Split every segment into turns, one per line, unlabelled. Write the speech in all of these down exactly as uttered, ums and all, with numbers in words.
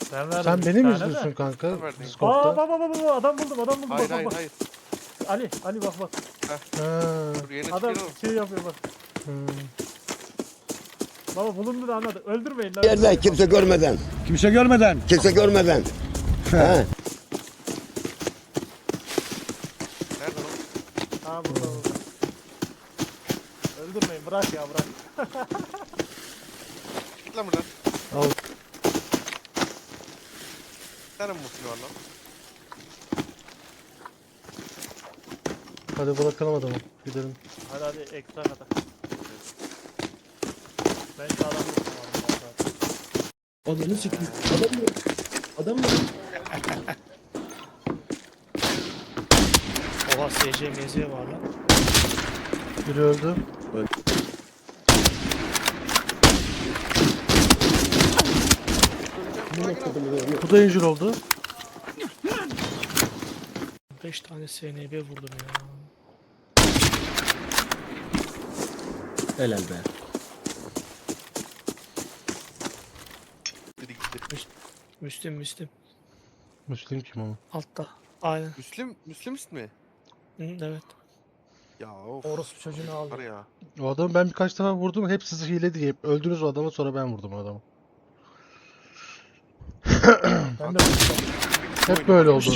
Sen verdin.
Sen
bir
beni mi
tane
izliyorsun
de.
kanka?
Sen verdin.
Aa
Discord'da.
bak bak bak bak adam buldum adam buldum
Hayır
bak
hayır
bak bak.
hayır.
Ali Ali bak bak.
Ha.
Dur yeni
Adam
çıkıyor.
şey yapıyor bak.
Hmm.
Baba bulundu da anladı. Öldürmeyin lan.
Yerden
öldürmeyin.
kimse görmeden.
Kimse görmeden.
Kimse görmeden. He.
Nerede o?
Ha burada burada. Öldürmeyin bırak ya bırak.
Git lan buradan.
Al.
Bir tane mi muhsin var lan?
Hadi bırakalım adamı. Gidelim.
Hadi hadi ekstra kadar. Ben şu adamı tuttum.
Ananı sikeyim. Adam mı? Adam mı?
Oha S C M Z var lan.
Biri öldü. Bu da injur oldu.
beş tane S N B vurdum ya.
Helal be.
Biri gitti.
Müslüm Müslüm.
Müslüm kim ama?
Altta. Aynen.
Müslüm, Müslüm mi?
Hı, evet.
Ya of.
Orospu çocuğunu aldı.
Var ya.
O adamı ben birkaç defa vurdum. Hep sizi hile diye. Hep öldünüz o adamı, sonra ben vurdum o adamı.
Ben de vurdum.
Hep böyle oldu.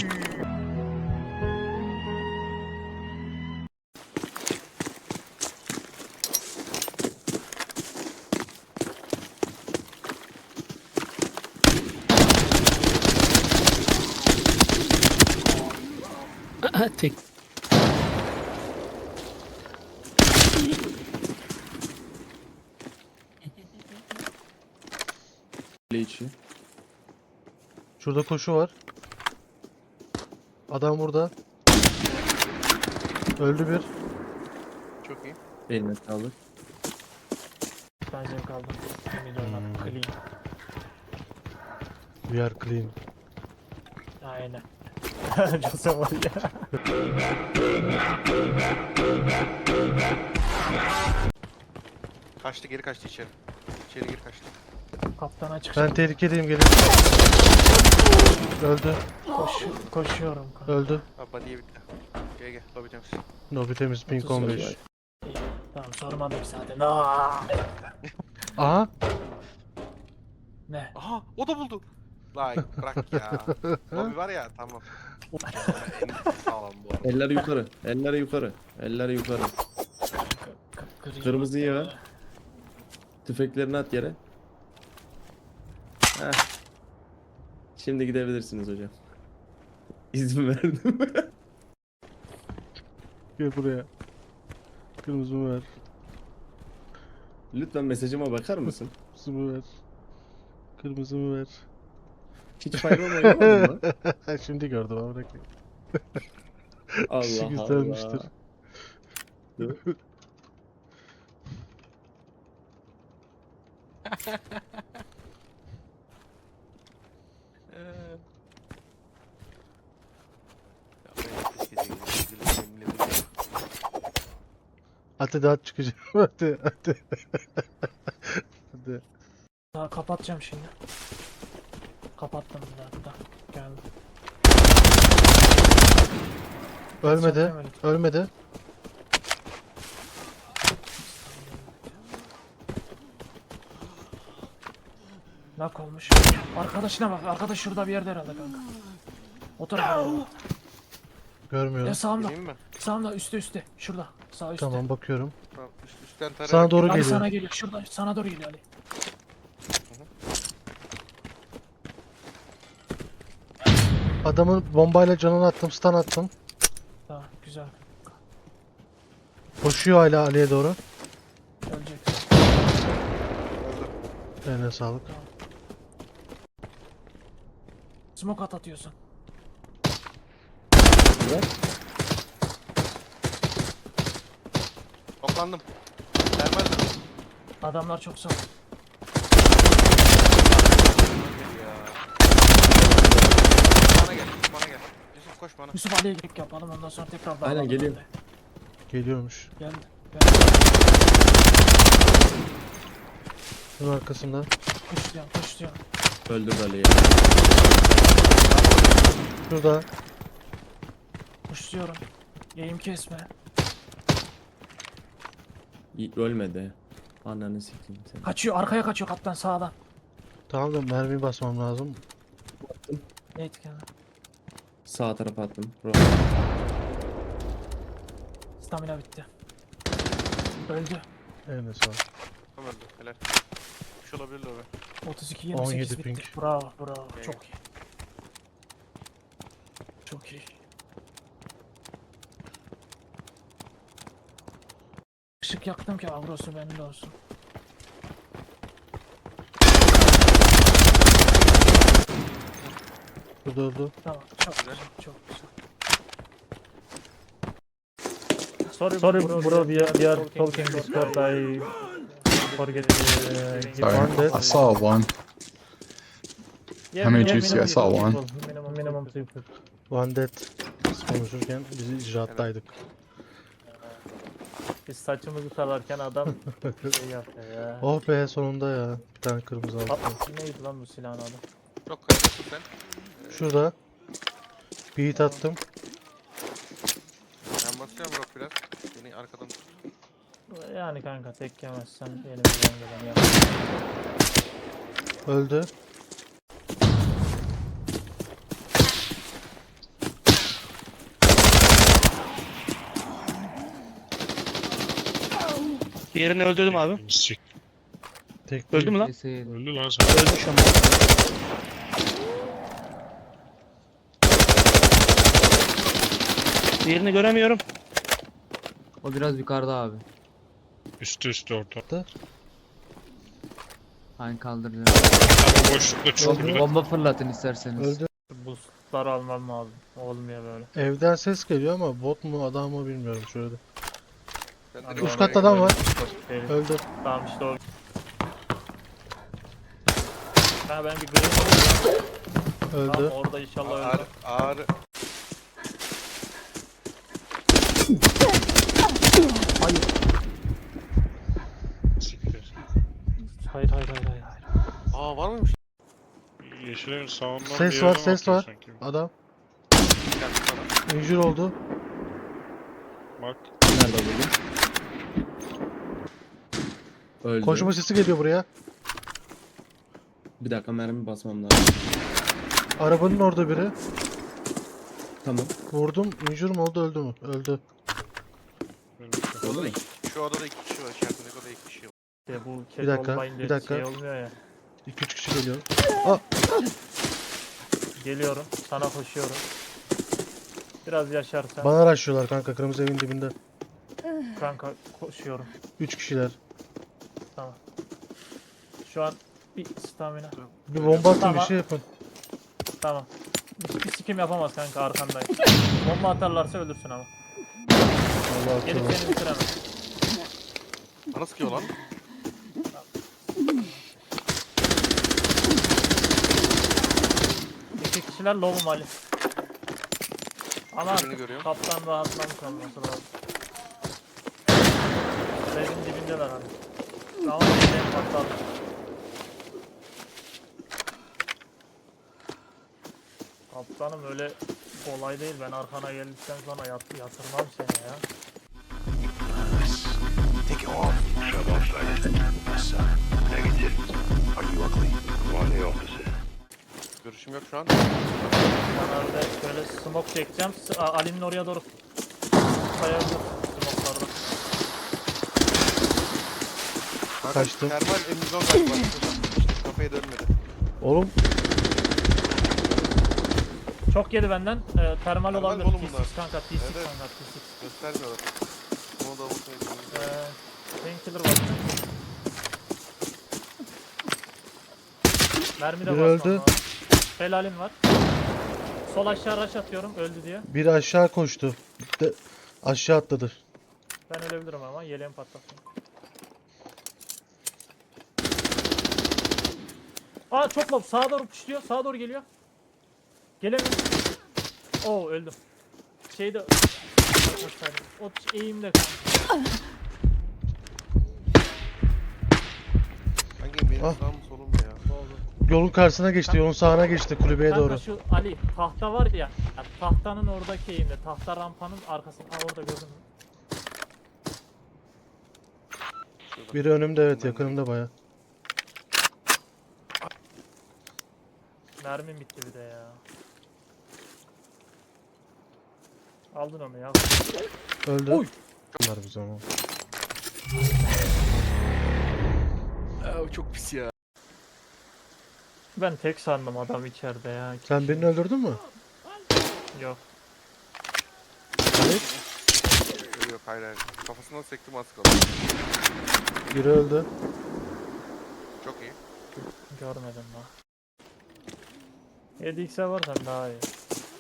Tek.
Kule içi.
Şurada koşu var. Adam burada. Öldü bir.
Çok iyi.
Eline sağlık.
Ben zevk aldım. Yemin ediyorum
Hmm.
clean.
We are clean.
Aynen. Jose var ya.
Kaçtı geri kaçtı içeri. İçeri geri kaçtı.
Kaptana çık.
Ben tehlikedeyim, gelin. Öldü.
Koş, koşuyorum kanka.
Öldü.
Abi body'ye bitti. Gel gel. Lobby temiz.
Nobi temiz, pink on beş.
İyi. Tamam sormadım zaten. Aa!
Aha.
Ne?
Aha o da buldu. Lan bırak ya. Lobby var ya tamam. En sağlam bu arada.
Eller yukarı. Eller yukarı. Eller yukarı.
Kıpkırmızı
Kırmızıyı
ya.
ver. Tüfeklerini at yere. Heh. Şimdi gidebilirsiniz hocam. İzin verdim.
Gel buraya. Kırmızımı ver.
Lütfen mesajıma bakar mısın?
Kırmızımı ver. Kırmızımı ver.
Hiç faydalı oynamadın mı?
Şimdi gördüm ama bırakayım.
Allah
Kişi güzelmiştir.
Allah. Dur.
Hadi daha çıkacağım. Hadi hadi. Hadi.
Daha kapatacağım şimdi. Kapattım bir dakika. Geldim.
Ölmedi.
Çaktım öyle.
Ölmedi.
Nak olmuş. Arkadaşına bak. Arkadaş şurada bir yerde herhalde kanka. O tarafa doğru.
Görmüyorum.
Ya sağımda.
Geleyim mi?
Sağımda üstte üstte. Şurada. Sağ üstte.
Tamam, bakıyorum.
Tamam üst, üstten tarayarak.
Sana doğru
Ali
geliyor.
sana geliyor. Şurada. Sana doğru geliyor Ali.
Adamın bombayla canını attım, stun attım.
Tamam güzel.
Koşuyor hala Ali'ye doğru.
Ölecek.
Eline sağlık.
Smoke at atıyorsun.
Toplandım. Termal mi?
Adamlar çok sağ.
Gel ya. Bana gel. Bana gel. Yusuf koş bana.
Yusuf Ali'ye girip yapalım ondan sonra tekrar
Aynen,
bağlayalım.
geliyorum.
Geliyormuş.
Geldi. Geldi.
Bunun arkasında.
Koş diyorum koş diyorum.
Öldür Ali'yi.
Şurada.
Kuşluyorum. Yayım kesme.
İyi, ölmedi. Ananı sikeyim seni.
Kaçıyor arkaya kaçıyor kaptan sağdan.
Tamam da mermi basmam lazım.
Ne etken?
Sağ tarafa attım. Bro.
Stamina bitti. Öldü.
Eline sağ ol.
Tamam öldü. Helal. Bir şey olabilir lobi.
otuz iki yirmi sekiz
on yedi
bitti.
ping.
Bravo bravo
Evet.
çok iyi. Çok iyi. Işık yaktım ki avrosu bende olsun.
Şurada öldü.
Tamam çok
Güzel.
güzel çok güzel.
Sorry, Sorry bro, bro, we are, we are talking Discord. I forget. Uh, give
Sorry,
one death.
I
saw one.
Yeah,
How many
minimum-
did you see? I
minimum
saw
two
one.
people, Minimum, minimum two people.
One dead. Biz konuşurken biz icraattaydık.
Biz saçımızı talarken adam şey yaptı ya.
Oh be sonunda ya. Bir tane kırmızı aldım.
Aa, neydi lan bu silahın adı?
Çok kaybettin sen.
Şurada. Beat attım.
Ben basıyorum Rock biraz. Beni arkadan tut.
Yani kanka tek yemezsen elimizden gelen yap.
Öldü.
Diğerini öldürdüm abi.
Tek
Öldü mü lan?
Öldü lan sen.
Ölmüş ama. Diğerini göremiyorum.
O biraz yukarıda abi.
Üstü üstü orta.
Hani kaldıracağım.
Ama boşlukta çok
Öldü.
Bomba fırlatın isterseniz.
Öldü.
Boostlar almam lazım. Olmuyor böyle.
Evden ses geliyor ama bot mu adam mı bilmiyorum şöyle.
Ben
Hadi
de
Üst
Doğru,
katta adam var.
Değil.
Öldü.
Tamam işte o. Ha ben bir green alayım. Tamam
Öldü.
orada inşallah
ağır,
öldü.
ağır.
siktir.
Hayır hayır hayır hayır. hayır.
Aa var mıymış?
Yeşilin sağından
Ses
bir
var,
yerden
ses
atıyor
var.
sanki.
Adam.
Geldi sana.
Injure oldu.
Bak.
Nerede öldü? Öldü.
Koşma sesi geliyor buraya.
Bir dakika mermi basmam lazım.
Arabanın orada biri.
Tamam.
Vurdum. Injure mu oldu öldü mü? Öldü.
Şu odada iki, şu odada iki kişi var. İçerisindeki odada iki kişi var.
İşte bu
Bir
ket
dakika,
olmayınca
bir dakika.
şey olmuyor ya.
iki üç kişi geliyor.
Geliyorum. Sana koşuyorum. Biraz yaşarsan
Bana araştırıyorlar kanka kırmızı evin dibinde.
kanka koşuyorum.
üç kişiler.
Tamam. Şu an bir stamina.
Bir bomba atın bir
Tamam.
şey yapın.
Tamam. Bir, bir sikim yapamaz kanka arkandayım. Bomba atarlarsa ölürsün ama.
Allah
Gelip
akıllı.
seni bitiremez.
Bana sıkıyor lan.
İki kişiler low'um Ali. Ama
Birini görüyorum.
kaptan rahatlamış olması lazım. Evin dibindeler hani. Ama bir patladı. Kaptanım öyle kolay değil. Ben arkana geldikten sonra yat yatırmam seni ya.
Görüşüm yok şu an.
Ben orada şöyle smoke çekeceğim. S- A- Ali'nin oraya doğru kayabilir smoke'larda.
Kaçtım.
Termal emizon galiba. İşte kafaya dönmedi.
Oğlum
Çok yedi benden. Ee, termal
Termal
olabilir.
oğlum
T
bunlar.
altı kanka, T altı
Evet, evet.
kanka, T altı.
Göstermiyorlar. Onu da unutmayın.
Ee, Painkiller var. Mermi de
Biri
basmam
öldü.
lazım. Helalim var. Sol aşağı rush atıyorum öldü diye.
biri aşağı koştu. De aşağı atladı.
Ben ölebilirim ama yeleğimi patlatayım. Aa çok low. Sağa doğru puşluyor. Sağa doğru geliyor. Gelemiyor. Oo öldüm. Şeyde... O eğimde kanka.
Hangi benim
Ah.
sağım solum mu ya?
Ne oldu?
Yolun karşısına geçti, yolun sağına geçti kulübeye
Kanka
doğru.
şu Ali tahta var ya, ya tahtanın oradaki eğimde, tahta rampanın arkasında. Ha orada gördün mü?
Şurada.
Biri önümde, evet, yakınımda baya.
Mermim bitti bir de ya. Aldın onu ya.
Öldü.
Oy!
Bunlar biz ama.
Aa, çok pis ya.
Ben tek sandım adam içeride ya.
Sen birini öldürdün mü?
Yok.
Evet.
Yok yok hayır hayır. Kafasından sektim az kaldı.
Biri öldü.
Çok iyi.
Görmedim daha. yedi x'e varsan daha iyi.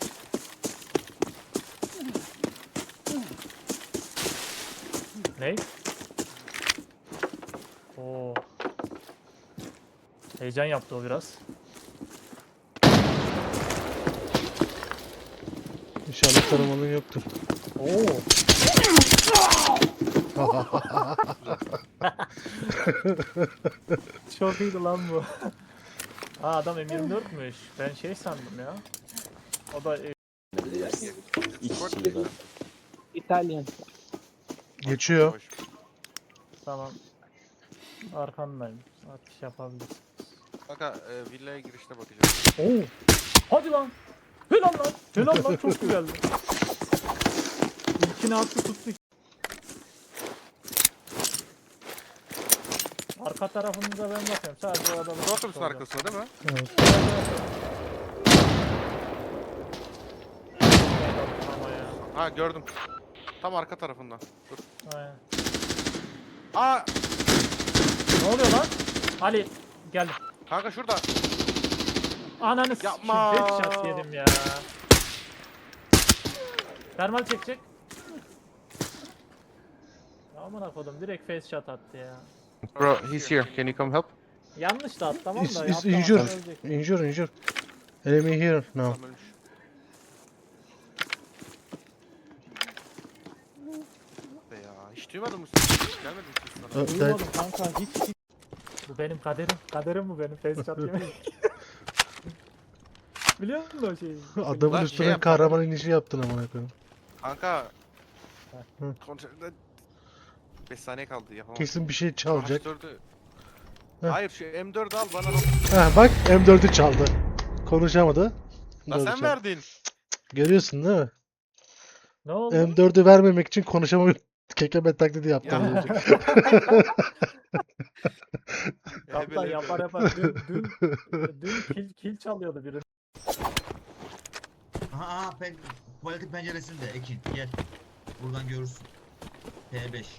Ne? Oo. Heyecan yaptı o biraz.
İnşallah taramanın yoktur.
Oo. Çok iyiydi lan bu. Aa adam M yirmi dört'müş. Ben şey sandım ya. O da e,
İtalyan.
Geçiyor.
Hoş.
tamam. Arkandayım. Atış yapabiliriz.
Kanka e, villaya girişte bakacağım.
Oo. Hadi lan. Helal lan. Helal lan çok güzeldi. İlkini attı tuttu. Arka tarafınıza ben bakıyorum. Sadece o adamı.
Bu otobüsün arkasında değil mi?
Evet.
Ama ya.
Ha gördüm. Tam arka tarafında. Dur.
Aynen.
Aa
Ne oluyor lan? Ali geldim.
kanka şurada.
Ananı
Yapma.
s**eyim, headshot yedim ya. Termal çekecek. Ya amına kodum direkt face shot attı ya.
Bro, he's here. Can you come help?
Yanlış da at tamam
It's,
da.
it's
atlamazsan
injured.
ölecek.
Injured, injured. Enemy here now.
Tamam ölmüş. Be ya hiç duymadın mı sen? Hiç gelmedin mi hiç sana?
Ö- ben-
Duymadım kanka hiç, hiç. Bu benim kaderim. Kaderim bu benim face shot yemek. Biliyor musun o şeyi?
Adamın
Lan
üstüne
şey yap-
kahraman inişi yaptın amına koyayım.
Kanka.
Hı.
Kontrolde beş saniye kaldı yapamam.
Kesin bir şey çalacak.
H dördü.
Heh.
Hayır şu M dördü al bana.
Ha bak M dördü çaldı. Konuşamadı.
La
Doğru
sen
çaldı.
verdin.
Görüyorsun değil mi?
Ne oldu?
M dördü vermemek için konuşamıyor. Kekeme taklidi yaptı.
Ya.
az önce.
Kaptan
Ebele-
yapar yapar. Dün, dün, dün kill, kill çalıyordu biri.
Aha, aha pen tuvaleti penceresinde Ekin gel. Buradan görürsün. P beş.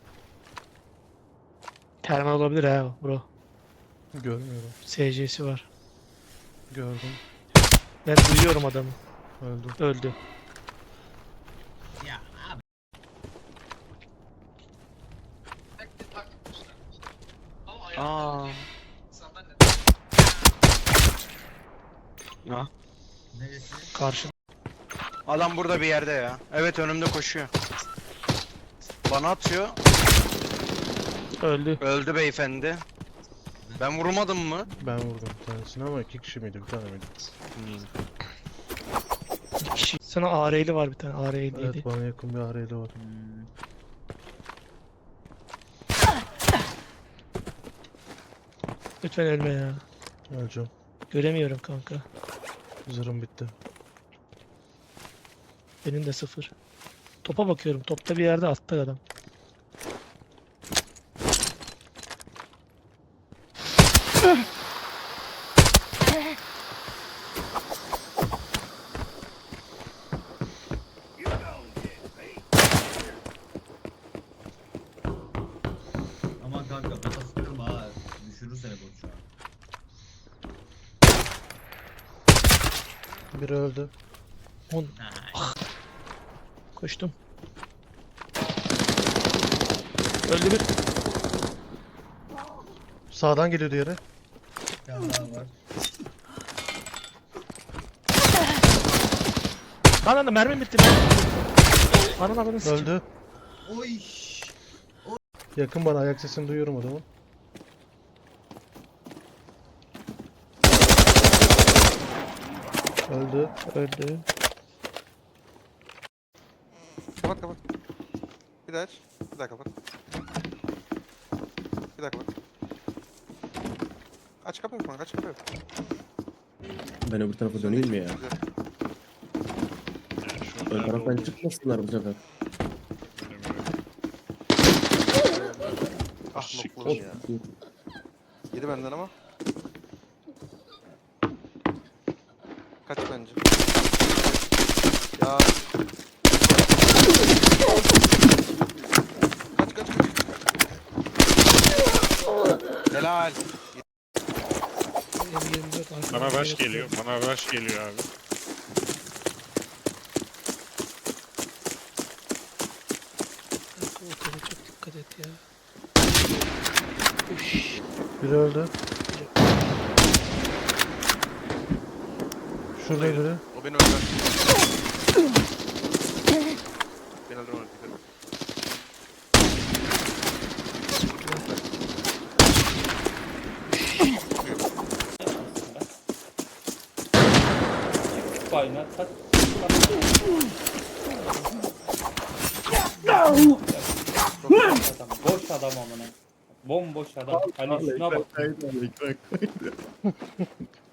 Termal olabilir ha bro.
Görmüyorum.
S C'si var.
Gördüm.
Ben duyuyorum adamı.
Öldüm.
Öldü.
Ya abi.
Aa. Ha,
Neresi?
karşı.
Adam burada bir yerde ya. Evet önümde koşuyor. Bana atıyor.
Öldü.
Öldü beyefendi. Ben vurmadım mı?
Ben vurdum bir tanesini ama iki kişi miydi, bir tane miydi?
İki kişi. Sana A R'li var bir tane. A R'liydi.
Evet, bana yakın bir arayla var.
Hmm.
Lütfen ölme ya.
Öleceğim.
Göremiyorum kanka.
Zırhım bitti.
Benim de sıfır. Topa bakıyorum. Topta bir yerde altta adam.
Aman kanka kafası kırma ha. Düşürür seni bu şu an.
Biri öldü.
On. Koştum. Öldü bir.
Sağdan geliyor diğeri.
Bir tane daha var.
Lan lan mermim bitti. Mermim bitti. Ananı avradını sikeyim.
Öldü.
Oy.
Yakın bana, ayak sesini duyuyorum adamın. Öldü.
Öldü.
Kapat kapat. Bir daha aç. Bir daha kapat. Bir daha kapat. Aç kapıyı falan, aç kapıyı.
Ben öbür tarafa döneyim mi ya?
Güzel.
Yani şu
Ön
nerede
taraftan
olduğunu
çıkmasınlar bu sefer.
bilmiyorum.
Ah
Siktir.
nokladım ya. Yedi benden ama. Kaç bence. Ya. Kaç kaç kaç. Helal.
M yirmi dört arkadan
Bana rush
geliyor.
geliyor. Bana rush geliyor abi.
Motora çok dikkat et ya.
Biri öldü. Şurada biri.
O beni öldürdü. Beni öldürme öldürdü.
Boş adam amına. Bomboş adam. Hani şuna bak.